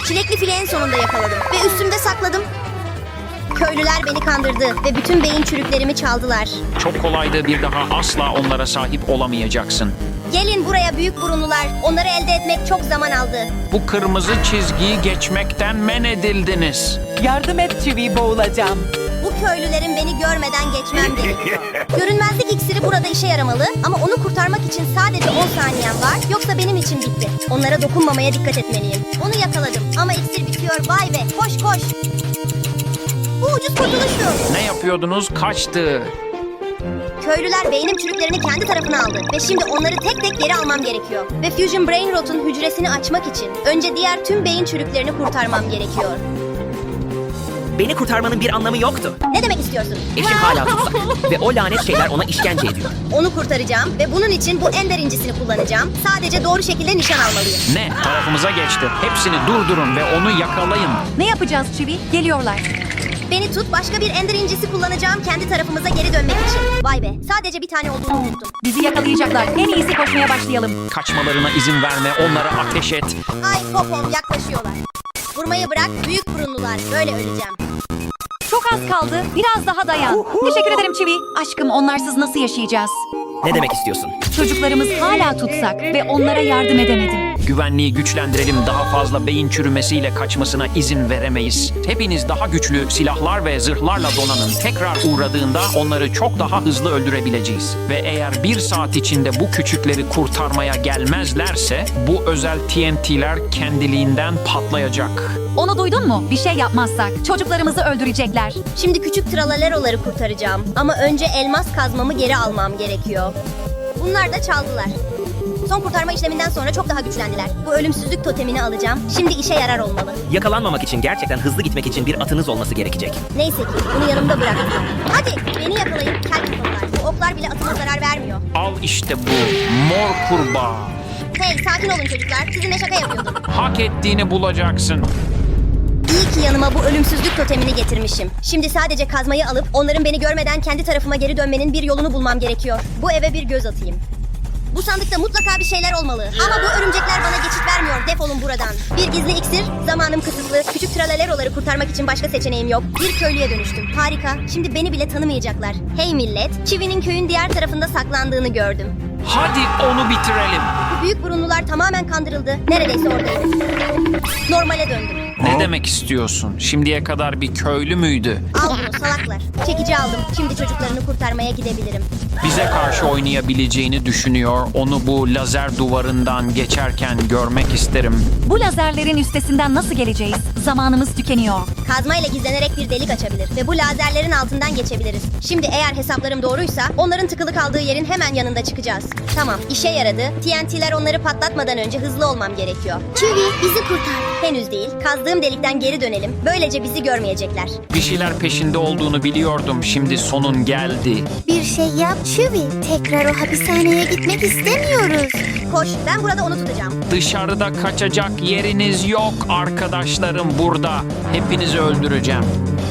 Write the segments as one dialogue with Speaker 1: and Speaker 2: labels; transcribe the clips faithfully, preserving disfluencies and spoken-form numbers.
Speaker 1: Çilekli fili en sonunda yakaladım ve üstümde sakladım. Köylüler beni kandırdı ve bütün beyin çürüklerimi çaldılar.
Speaker 2: Çok kolaydı, bir daha asla onlara sahip olamayacaksın.
Speaker 1: Gelin buraya büyük burunlular. Onları elde etmek çok zaman aldı.
Speaker 2: Bu kırmızı çizgiyi geçmekten men edildiniz.
Speaker 3: Yardım et Chewie, boğulacağım.
Speaker 1: Bu köylülerin beni görmeden geçmem gerekiyor. Görünmezlik iksiri burada işe yaramalı ama onu kurtarmak için sadece on saniyem var. Yoksa benim için bitti. Onlara dokunmamaya dikkat etmeliyim. Onu yakaladım ama iksir bitiyor. Vay be, koş koş. Bu ucuz kurtuluştu.
Speaker 2: Ne yapıyordunuz? Kaçtı.
Speaker 1: Köylüler beynim çürüklerini kendi tarafına aldı ve şimdi onları tek tek geri almam gerekiyor. Ve Fusion Brain Rot'un hücresini açmak için önce diğer tüm beyin çürüklerini kurtarmam gerekiyor.
Speaker 4: Beni kurtarmanın bir anlamı yoktu.
Speaker 1: Ne demek istiyorsun?
Speaker 4: Eşim hala tutsak ve o lanet şeyler ona işkence ediyor.
Speaker 1: Onu kurtaracağım ve bunun için bu ender incisini kullanacağım. Sadece doğru şekilde nişan almalıyım.
Speaker 2: Ne? Tarafımıza geçti. Hepsini durdurun ve onu yakalayın.
Speaker 5: Ne yapacağız Chewie? Geliyorlar.
Speaker 1: Beni tut, başka bir ender incisi kullanacağım kendi tarafımıza geri dönmek için. Vay be, sadece bir tane olduğunu unuttum.
Speaker 5: Bizi yakalayacaklar. En iyisi koşmaya başlayalım.
Speaker 2: Kaçmalarına izin verme, onlara ateş et.
Speaker 1: Ay popom, yaklaşıyorlar. Vurmayı bırak, büyük burunlular. Böyle öleceğim.
Speaker 5: Çok az kaldı. Biraz daha dayan. Teşekkür ederim Chewie. Aşkım, onlarsız nasıl yaşayacağız?
Speaker 4: Ne demek istiyorsun?
Speaker 5: Çocuklarımız hala tutsak ve onlara yardım edemedim.
Speaker 2: Güvenliği güçlendirelim, daha fazla beyin çürümesiyle kaçmasına izin veremeyiz. Hepiniz daha güçlü silahlar ve zırhlarla donanın. Tekrar uğradığında onları çok daha hızlı öldürebileceğiz. Ve eğer bir saat içinde bu küçükleri kurtarmaya gelmezlerse bu özel T N T'ler kendiliğinden patlayacak.
Speaker 5: Onu duydun mu? Bir şey yapmazsak çocuklarımızı öldürecekler.
Speaker 1: Şimdi küçük tralaleroları kurtaracağım. Ama önce elmas kazmamı geri almam gerekiyor. Bunlar da çaldılar. Son kurtarma işleminden sonra çok daha güçlendiler. Bu ölümsüzlük totemini alacağım. Şimdi işe yarar olmalı.
Speaker 4: Yakalanmamak için gerçekten hızlı gitmek için bir atınız olması gerekecek.
Speaker 1: Neyse ki bunu yanımda bıraktım. Hadi beni yakalayın kel oklar. Bu oklar bile atıma zarar vermiyor.
Speaker 2: Al işte bu mor kurbağa.
Speaker 1: Hey sakin olun çocuklar. Sizinle şaka yapıyordum.
Speaker 2: Hak ettiğini bulacaksın.
Speaker 1: İyi ki yanıma bu ölümsüzlük totemini getirmişim. Şimdi sadece kazmayı alıp onların beni görmeden kendi tarafıma geri dönmenin bir yolunu bulmam gerekiyor. Bu eve bir göz atayım. Bu sandıkta mutlaka bir şeyler olmalı. Ama bu örümcekler bana geçit vermiyor. Defolun buradan. Bir gizli iksir, zamanım kısıtlı. Küçük tralaleroları kurtarmak için başka seçeneğim yok. Bir köylüye dönüştüm. Harika. Şimdi beni bile tanımayacaklar. Hey millet, Chewie'nin köyün diğer tarafında saklandığını gördüm.
Speaker 2: Hadi onu bitirelim.
Speaker 1: Bu büyük burunlular tamamen kandırıldı. Neredeyse oradaydı. Normale döndüm.
Speaker 2: Ne demek istiyorsun? Şimdiye kadar bir köylü müydü?
Speaker 1: Al bunu salaklar. Çekici aldım. Şimdi çocuklarını kurtarmaya gidebilirim.
Speaker 2: Bize karşı oynayabileceğini düşünüyor. Onu bu lazer duvarından geçerken görmek isterim.
Speaker 5: Bu lazerlerin üstesinden nasıl geleceğiz? Zamanımız tükeniyor.
Speaker 1: Kazmayla gizlenerek bir delik açabilir ve bu lazerlerin altından geçebiliriz. Şimdi eğer hesaplarım doğruysa onların tıkılı kaldığı yerin hemen yanında çıkacağız. Tamam, işe yaradı. T N T'ler onları patlatmadan önce hızlı olmam gerekiyor. Chewie, bizi kurtar. Henüz değil. Kazdığım delikten geri dönelim. Böylece bizi görmeyecekler.
Speaker 2: Bir şeyler peşinde olduğunu biliyordum. Şimdi sonun geldi.
Speaker 6: Bir şey yap Chewie. Tekrar o hapishaneye gitmek istemiyoruz.
Speaker 1: Koş, ben burada onu tutacağım.
Speaker 2: Dışarıda kaçacak yeriniz yok arkadaşlarım burada. Hepinizi öldüreceğim.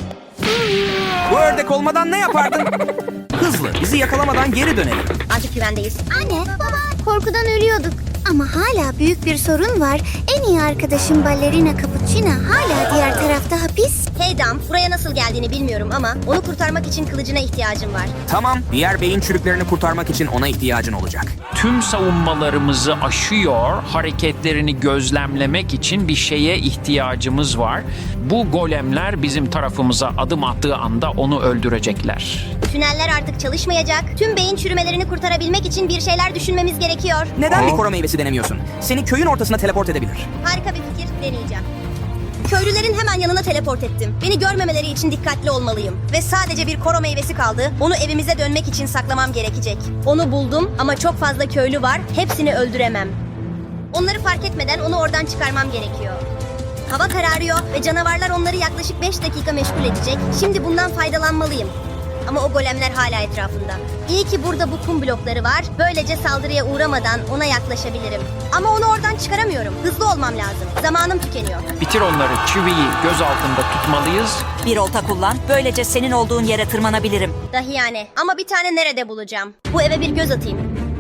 Speaker 4: Bu ördek olmadan ne yapardın? Hızlı, bizi yakalamadan geri dönelim.
Speaker 1: Artık güvendeyiz.
Speaker 6: Anne, baba, korkudan ölüyorduk. Ama hala büyük bir sorun var. En iyi arkadaşım ballerina Cappuccina hala diğer tarafta hapis.
Speaker 1: Hey Dam, buraya nasıl geldiğini bilmiyorum ama onu kurtarmak için kılıcına ihtiyacım var.
Speaker 4: Tamam, diğer beyin çürüklerini kurtarmak için ona ihtiyacın olacak.
Speaker 2: Tüm savunmalarımızı aşıyor. Hareketlerini gözlemlemek için bir şeye ihtiyacımız var. Bu golemler bizim tarafımıza adım attığı anda onu öldürecekler.
Speaker 1: Tüneller artık çalışmayacak. Tüm beyin çürümelerini kurtarabilmek için bir şeyler düşünmemiz gerekiyor.
Speaker 4: Neden bir koro meyvesi denemiyorsun? Seni köyün ortasına teleport edebilir.
Speaker 1: Harika bir fikir, deneyeceğim. Köylülerin hemen yanına teleport ettim. Beni görmemeleri için dikkatli olmalıyım. Ve sadece bir koro meyvesi kaldı. Onu evimize dönmek için saklamam gerekecek. Onu buldum ama çok fazla köylü var. Hepsini öldüremem. Onları fark etmeden onu oradan çıkarmam gerekiyor. Hava kararıyor ve canavarlar onları yaklaşık beş dakika meşgul edecek. Şimdi bundan faydalanmalıyım. Ama o golemler hala etrafında. İyi ki burada bu kum blokları var. Böylece saldırıya uğramadan ona yaklaşabilirim. Ama onu oradan çıkaramıyorum. Hızlı olmam lazım. Zamanım tükeniyor.
Speaker 2: Bitir onları. Chewie'yi göz altında tutmalıyız.
Speaker 7: Bir olta kullan. Böylece senin olduğun yere tırmanabilirim.
Speaker 1: Dahi yani. Ama bir tane nerede bulacağım? Bu eve bir göz atayım.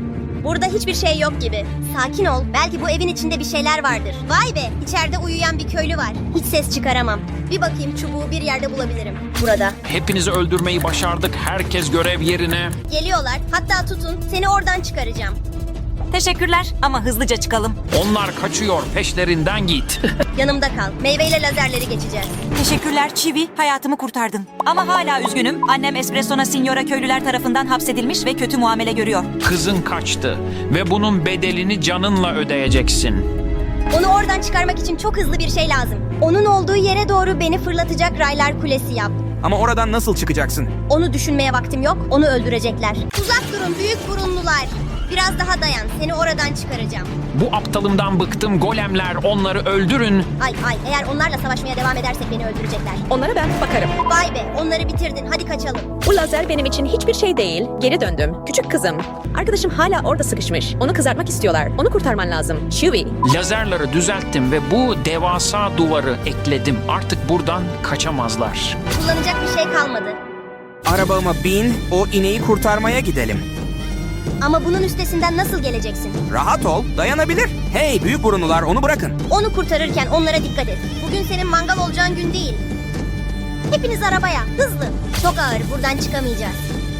Speaker 1: Burada hiçbir şey yok gibi. Sakin ol. Belki bu evin içinde bir şeyler vardır. Vay be, içeride uyuyan bir köylü var. Hiç ses çıkaramam. Bir bakayım, çubuğu bir yerde bulabilirim. Burada.
Speaker 2: Hepinizi öldürmeyi başardık. Herkes görev yerine.
Speaker 1: Geliyorlar. Hatta tutun. Seni oradan çıkaracağım.
Speaker 7: Teşekkürler ama hızlıca çıkalım.
Speaker 2: Onlar kaçıyor. Peşlerinden git.
Speaker 1: Yanımda kal. Meyveyle lazerleri geçeceğiz.
Speaker 7: Teşekkürler Çivi, hayatımı kurtardın. Ama hala üzgünüm. Annem Espresso'na Signora köylüler tarafından hapsedilmiş ve kötü muamele görüyor.
Speaker 2: Kızın kaçtı ve bunun bedelini canınla ödeyeceksin.
Speaker 1: Onu oradan çıkarmak için çok hızlı bir şey lazım. Onun olduğu yere doğru beni fırlatacak raylar kulesi yap.
Speaker 4: Ama oradan nasıl çıkacaksın?
Speaker 1: Onu düşünmeye vaktim yok. Onu öldürecekler. Uzak durun büyük burunlular. Biraz daha dayan. Seni oradan çıkaracağım.
Speaker 2: Bu aptalımdan bıktım. Golemler, onları öldürün.
Speaker 1: Ay ay eğer onlarla savaşmaya devam edersek beni öldürecekler.
Speaker 8: Onlara ben bakarım.
Speaker 1: Vay be onları bitirdin. Hadi kaçalım.
Speaker 8: Bu lazer benim için hiçbir şey değil. Geri döndüm. Küçük kızım. Arkadaşım hala orada sıkışmış. Onu kızartmak istiyorlar. Onu kurtarman lazım. Chewie.
Speaker 2: Lazerleri düzelttim ve bu devasa duvarı ekledim. Artık buradan kaçamazlar.
Speaker 1: Kullanacak bir şey kalmadı.
Speaker 4: Arabama bin, o ineği kurtarmaya gidelim.
Speaker 1: Ama bunun üstesinden nasıl geleceksin?
Speaker 4: Rahat ol, dayanabilir. Hey büyük burunlular, onu bırakın.
Speaker 1: Onu kurtarırken onlara dikkat et. Bugün senin mangal olacağın gün değil. Hepiniz arabaya. Hızlı. Çok ağır. Buradan çıkamayacağız.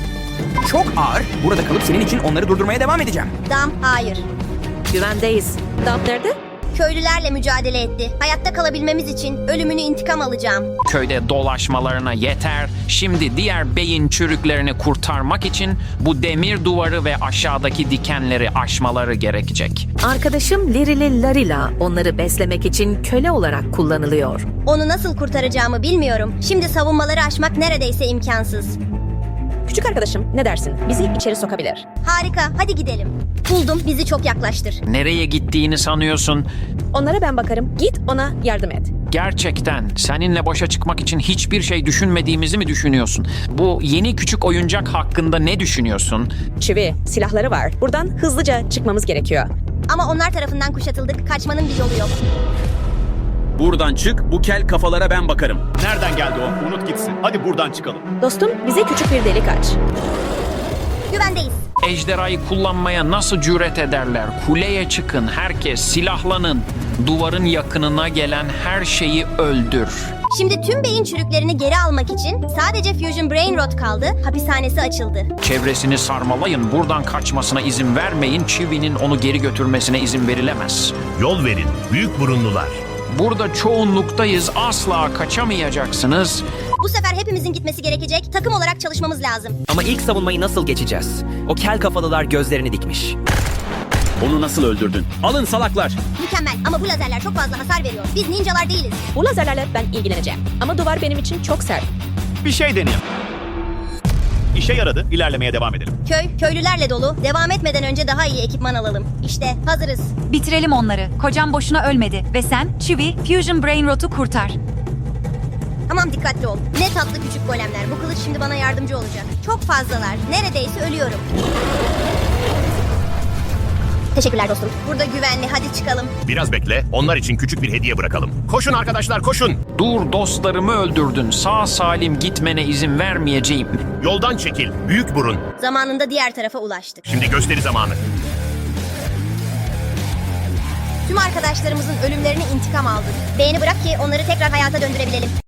Speaker 4: Çok ağır. Burada kalıp senin için onları durdurmaya devam edeceğim.
Speaker 1: Dam hayır.
Speaker 8: Güvendeyiz. Dump nerede?
Speaker 1: Köylülerle mücadele etti. Hayatta kalabilmemiz için ölümünü intikam alacağım.
Speaker 2: Köyde dolaşmalarına yeter. Şimdi diğer beyin çürüklerini kurtarmak için bu demir duvarı ve aşağıdaki dikenleri aşmaları gerekecek.
Speaker 9: Arkadaşım Lirili Larila onları beslemek için köle olarak kullanılıyor.
Speaker 1: Onu nasıl kurtaracağımı bilmiyorum. Şimdi savunmaları aşmak neredeyse imkansız.
Speaker 8: Küçük arkadaşım ne dersin? Bizi içeri sokabilir.
Speaker 1: Harika. Hadi gidelim. Buldum. Bizi çok yaklaştır.
Speaker 2: Nereye gittiğini sanıyorsun?
Speaker 8: Onlara ben bakarım. Git ona yardım et.
Speaker 2: Gerçekten seninle başa çıkmak için hiçbir şey düşünmediğimizi mi düşünüyorsun? Bu yeni küçük oyuncak hakkında ne düşünüyorsun?
Speaker 8: Chewie, silahları var. Buradan hızlıca çıkmamız gerekiyor.
Speaker 1: Ama onlar tarafından kuşatıldık. Kaçmanın bir yolu yok.
Speaker 10: Buradan çık, bu kel kafalara ben bakarım. Nereden geldi o? Unut gitsin. Hadi buradan çıkalım.
Speaker 8: Dostum bize küçük bir delik aç.
Speaker 1: Güvendeyiz.
Speaker 2: Ejderhayı kullanmaya nasıl cüret ederler? Kuleye çıkın, herkes silahlanın. Duvarın yakınına gelen her şeyi öldür.
Speaker 1: Şimdi tüm beyin çürüklerini geri almak için sadece Fusion Brain Rot kaldı. Hapishanesi açıldı.
Speaker 2: Çevresini sarmalayın, buradan kaçmasına izin vermeyin. Chewie'nin onu geri götürmesine izin verilemez.
Speaker 11: Yol verin, büyük burunlular.
Speaker 2: Burada çoğunluktayız, asla kaçamayacaksınız.
Speaker 1: Bu sefer hepimizin gitmesi gerekecek. Takım olarak çalışmamız lazım.
Speaker 4: Ama ilk savunmayı nasıl geçeceğiz? O kel kafalılar gözlerini dikmiş.
Speaker 10: Onu nasıl öldürdün? Alın salaklar.
Speaker 1: Mükemmel ama bu lazerler çok fazla hasar veriyor. Biz ninjalar değiliz.
Speaker 8: Bu lazerlerle ben ilgileneceğim. Ama duvar benim için çok sert.
Speaker 10: Bir şey deneyelim. İşe yaradı. İlerlemeye devam edelim.
Speaker 1: Köy, köylülerle dolu. Devam etmeden önce daha iyi ekipman alalım. İşte hazırız.
Speaker 5: Bitirelim onları. Kocam boşuna ölmedi. Ve sen, Chewie, Fusion Brain Rot'u kurtar.
Speaker 1: Tamam dikkatli ol. Ne tatlı küçük golemler. Bu kılıç şimdi bana yardımcı olacak. Çok fazlalar. Neredeyse ölüyorum. Teşekkürler dostum. Burada güvenli. Hadi çıkalım.
Speaker 11: Biraz bekle, onlar için küçük bir hediye bırakalım. Koşun arkadaşlar, koşun.
Speaker 2: Dur, dostlarımı öldürdün. Sağ salim gitmene izin vermeyeceğim.
Speaker 11: Yoldan çekil, büyük burun.
Speaker 1: Zamanında diğer tarafa ulaştık.
Speaker 11: Şimdi gösteri zamanı.
Speaker 1: Tüm arkadaşlarımızın ölümlerini intikam aldık. Beğeni bırak ki onları tekrar hayata döndürebilelim.